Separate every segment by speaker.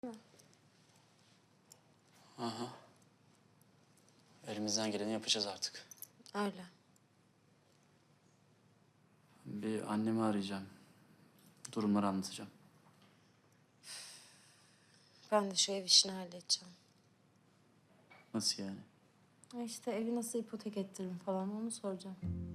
Speaker 1: mi?
Speaker 2: Aha. Elimizden geleni yapacağız artık.
Speaker 1: Öyle.
Speaker 2: Bir annemi arayacağım. Durumları anlatacağım.
Speaker 1: Ben de şu ev işini halledeceğim.
Speaker 2: Nasıl yani?
Speaker 1: İşte evi nasıl ipotek ettiririm falan onu soracağım.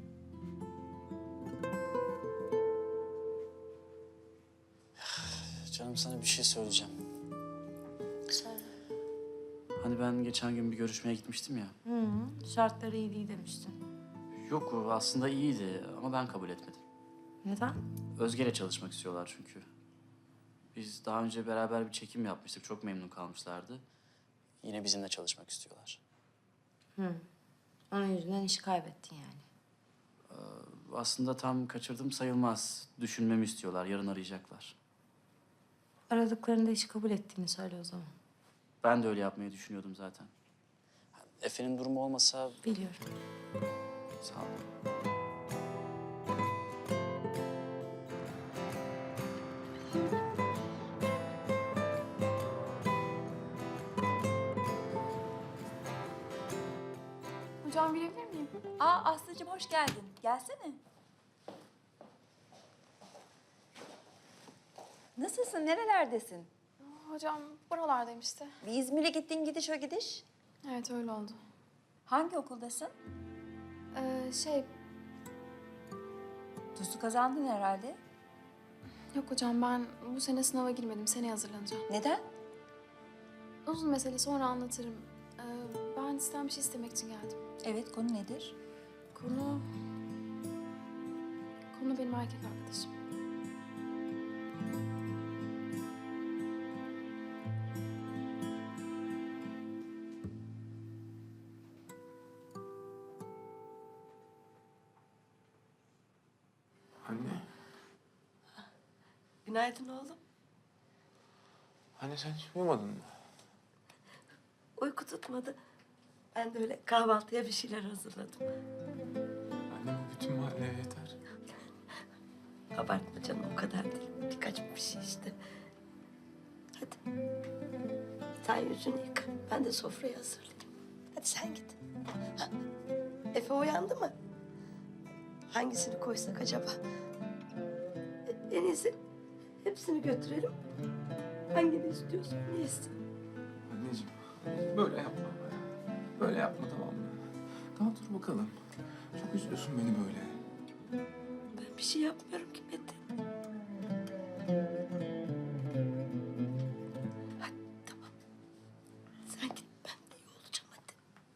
Speaker 2: Canım sana bir şey söyleyeceğim.
Speaker 1: Söyle.
Speaker 2: Hani ben geçen gün bir görüşmeye gitmiştim ya.
Speaker 1: Hı, şartları iyi değil demiştin.
Speaker 2: Yok o aslında iyiydi ama ben kabul etmedim.
Speaker 1: Neden?
Speaker 2: Özge'yle çalışmak istiyorlar çünkü. Biz daha önce beraber bir çekim yapmıştık. Çok memnun kalmışlardı. Yine bizimle çalışmak istiyorlar.
Speaker 1: Onun yüzünden işi kaybettin yani.
Speaker 2: Aslında tam kaçırdım sayılmaz. Düşünmemi istiyorlar. Yarın arayacaklar.
Speaker 1: Aradıklarında işi kabul ettiğini söyle o zaman.
Speaker 2: Ben de öyle yapmayı düşünüyordum zaten. Efe'nin durumu olmasa...
Speaker 1: Biliyorum.
Speaker 2: Sağ ol.
Speaker 3: Hocam girebilir miyim?
Speaker 4: Aslıcığım hoş geldin. Gelsene. Nasılsın? Nerelerdesin?
Speaker 3: Hocam buralardayım işte.
Speaker 4: Bir İzmir'e gittin gidiş o gidiş.
Speaker 3: Evet öyle oldu.
Speaker 4: Hangi okuldasın?
Speaker 3: Şey
Speaker 4: TUS'u kazandın herhalde.
Speaker 3: yok hocam ben bu sene sınava girmedim. Seneye hazırlanacağım.
Speaker 4: Neden?
Speaker 3: Uzun mesele sonra anlatırım. Ben sizden bir şey istemek için geldim.
Speaker 4: Evet, konu nedir?
Speaker 3: Konu... Konu benim erkek arkadaşım.
Speaker 5: Anne,
Speaker 6: Günaydın oğlum.
Speaker 5: anne sen hiç uyumadın mı?
Speaker 6: Uyku tutmadı. Ben de öyle kahvaltıya bir şeyler hazırladım.
Speaker 5: Anne bu bütün mahalleye yeter.
Speaker 6: Abartma canım, o kadar değil. Birkaç bir şey işte. Hadi. Sen yüzünü yıka. Ben de sofrayı hazırlayayım. Hadi sen git. Ha, Efe uyandı mı? Hangisini koysak acaba? En iyisi hepsini götürelim. Hangini istiyorsan yesin.
Speaker 5: Anneciğim, böyle yapma be. Böyle yapma tamam mı? Tamam dur bakalım. Çok üzüyorsun beni böyle.
Speaker 6: Ben bir şey yapmıyorum ki Metin. Hadi tamam. Sen git, ben de iyi olacağım hadi.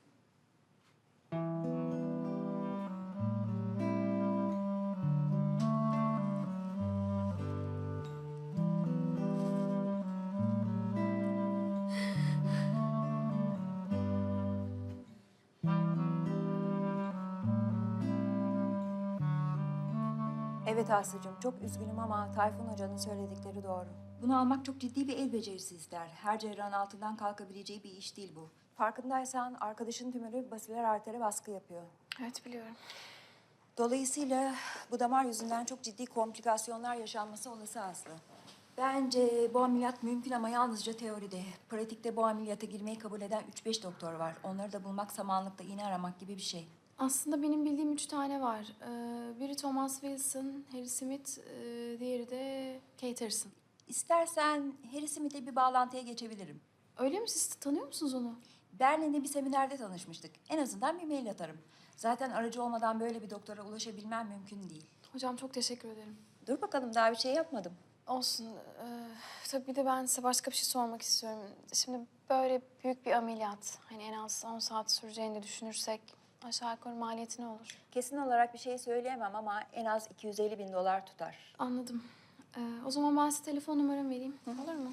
Speaker 4: Evet Aslı'cığım, çok üzgünüm ama Tayfun Hoca'nın söyledikleri doğru. Bunu almak çok ciddi bir el becerisi ister. Her cerrahın altından kalkabileceği bir iş değil bu. Farkındaysan arkadaşın tümörü basiler artere baskı yapıyor.
Speaker 3: Evet biliyorum.
Speaker 4: Dolayısıyla bu damar yüzünden çok ciddi komplikasyonlar yaşanması olası Aslı. Bence bu ameliyat mümkün ama yalnızca teoride. Pratikte bu ameliyata girmeyi kabul eden 3-5 doktor var. Onları da bulmak samanlıkta iğne aramak gibi bir şey.
Speaker 3: Aslında benim bildiğim 3 tane var. Biri Thomas Wilson, Harry Smith, diğeri de Kate Harrison.
Speaker 4: İstersen Harry Smith'le bir bağlantıya geçebilirim.
Speaker 3: Öyle mi? Siz tanıyor musunuz onu?
Speaker 4: Berlin'de bir seminerde tanışmıştık. En azından bir mail atarım. Zaten aracı olmadan böyle bir doktora ulaşabilmem mümkün değil.
Speaker 3: Hocam çok teşekkür ederim.
Speaker 4: Dur bakalım, daha bir şey yapmadım.
Speaker 3: Olsun. Tabii bir de ben size başka bir şey sormak istiyorum. Şimdi böyle büyük bir ameliyat, hani en az 10 saat süreceğini de düşünürsek aşağı yukarı maliyeti ne olur?
Speaker 4: Kesin olarak bir şey söyleyemem ama en az 250.000 dolar tutar.
Speaker 3: Anladım. O zaman ben size telefon numaramı vereyim. Olur mu?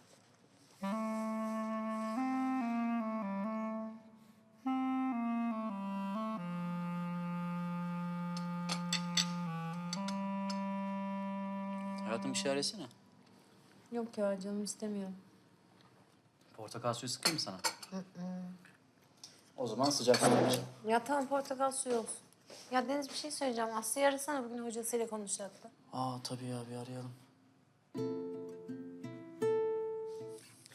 Speaker 2: Hayatım bir şey arasana.
Speaker 1: Yok ya canım istemiyorum.
Speaker 2: Portakal suyu sıkayım mı sana? O zaman sıcak su içeceğim.
Speaker 1: Ya tamam portakal suyu olsun. Ya Deniz bir şey söyleyeceğim. Aslı'yı arasana, bugün hocasıyla konuşacaktı.
Speaker 2: Tabii ya bir arayalım.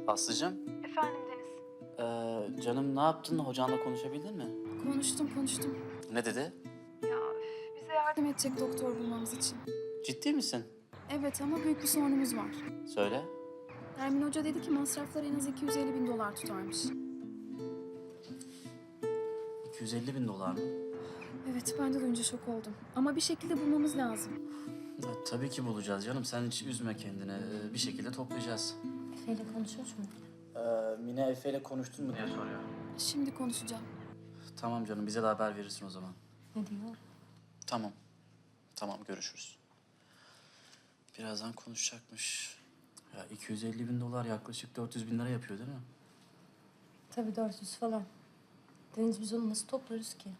Speaker 2: Aslıcığım,
Speaker 3: Efendim Deniz.
Speaker 2: canım ne yaptın? Hocanla konuşabildin mi?
Speaker 3: Konuştum.
Speaker 2: Ne dedi?
Speaker 3: Ya bize yardım edecek doktor bulmamız için.
Speaker 2: Ciddi misin?
Speaker 3: Evet ama büyük bir sorunumuz var.
Speaker 2: Söyle.
Speaker 3: Ermin Hoca dedi ki masraflar en az 250 bin dolar tutarmış.
Speaker 2: 250 bin dolar mı?
Speaker 3: Evet ben de duyunca şok oldum. Ama bir şekilde bulmamız lazım.
Speaker 2: Ya, tabii ki bulacağız canım. Sen hiç üzme kendini. Bir şekilde toplayacağız.
Speaker 1: Efe'yle konuşuyor mu?
Speaker 2: Mine Efe ile konuştun mu diye soruyor.
Speaker 3: Şimdi konuşacağım.
Speaker 2: Tamam canım, bize de haber verirsin o zaman.
Speaker 1: Ne diyor?
Speaker 2: Tamam. Tamam, görüşürüz. Birazdan konuşacakmış. Ya 250 bin dolar yaklaşık 400 bin lira yapıyor değil mi?
Speaker 1: Tabii 400 falan. Deniz biz onu nasıl toplarız ki?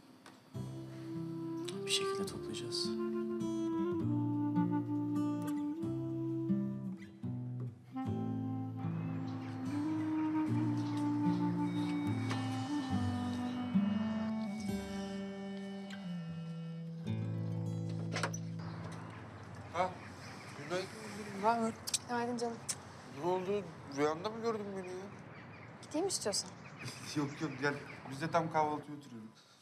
Speaker 2: Bir şekilde toplayacağız.
Speaker 7: Ha, günaydın Gülüm. Ne haber?
Speaker 3: Günaydın canım.
Speaker 7: Ne oldu? Rüyanda mı gördün beni ya?
Speaker 3: Gideyim mi istiyorsan?
Speaker 7: Yok yok gel. Biz de tam kahvaltıya oturuyorduk.